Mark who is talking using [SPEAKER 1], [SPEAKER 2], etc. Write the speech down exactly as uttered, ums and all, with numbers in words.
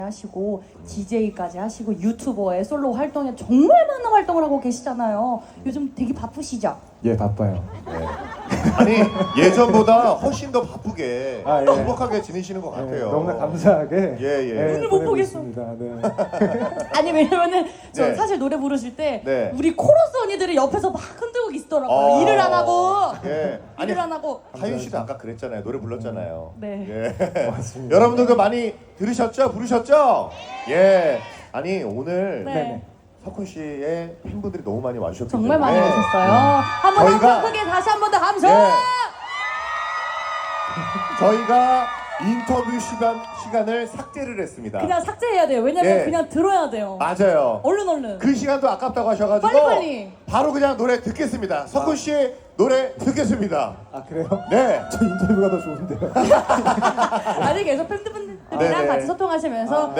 [SPEAKER 1] 하시고 디제이까지 하시고 유튜버의 솔로 활동에 정말 많은 활동을 하고 계시잖아요. 요즘 되게 바쁘시죠?
[SPEAKER 2] 예, 바빠요.
[SPEAKER 3] 네. 아니 예전보다 훨씬 더 바쁘게
[SPEAKER 2] 아, 예.
[SPEAKER 3] 행복하게 지내시는 것
[SPEAKER 2] 예,
[SPEAKER 3] 같아요.
[SPEAKER 2] 너무나 감사하게
[SPEAKER 3] 예, 예.
[SPEAKER 1] 오늘 못
[SPEAKER 2] 보내고
[SPEAKER 1] 보겠어.
[SPEAKER 2] 있습니다. 네.
[SPEAKER 1] 아니 왜냐면은 저
[SPEAKER 3] 네.
[SPEAKER 1] 사실 노래 부르실 때
[SPEAKER 3] 네.
[SPEAKER 1] 우리 코러스 언니들이 옆에서 막 흔들고 계시더라고요.
[SPEAKER 3] 어.
[SPEAKER 1] 일을 안 하고
[SPEAKER 3] 예. 아니
[SPEAKER 1] 일을 안 하고
[SPEAKER 3] 하윤 씨도 아까 그랬잖아요. 노래 불렀잖아요.
[SPEAKER 1] 네.
[SPEAKER 3] 예.
[SPEAKER 2] 고맙습니다.
[SPEAKER 3] 여러분들도 많이 들으셨죠? 부르셨죠? 예. 아니 오늘
[SPEAKER 1] 네.
[SPEAKER 3] 석훈 씨의 팬분들이 너무 많이 와주셨기
[SPEAKER 1] 정말 많이
[SPEAKER 3] 때문에
[SPEAKER 1] 오셨어요. 한번
[SPEAKER 3] 저희가-
[SPEAKER 1] 함성 크게 다시 한 번 더 감성.
[SPEAKER 3] 예. 저희가 인터뷰 시간 시간을 삭제를 했습니다.
[SPEAKER 1] 그냥 삭제해야 돼요. 왜냐면
[SPEAKER 3] 예.
[SPEAKER 1] 그냥 들어야 돼요.
[SPEAKER 3] 맞아요.
[SPEAKER 1] 얼른 얼른.
[SPEAKER 3] 그 시간도 아깝다고 하셔가지고
[SPEAKER 1] 빨리빨리.
[SPEAKER 3] 바로 그냥 노래 듣겠습니다. 석훈 씨 노래 듣겠습니다.
[SPEAKER 2] 아, 그래요?
[SPEAKER 3] 네.
[SPEAKER 2] 저 인터뷰가 더 좋은데요.
[SPEAKER 1] 아니 계속 팬분들이랑
[SPEAKER 3] 네네.
[SPEAKER 1] 같이 소통하시면서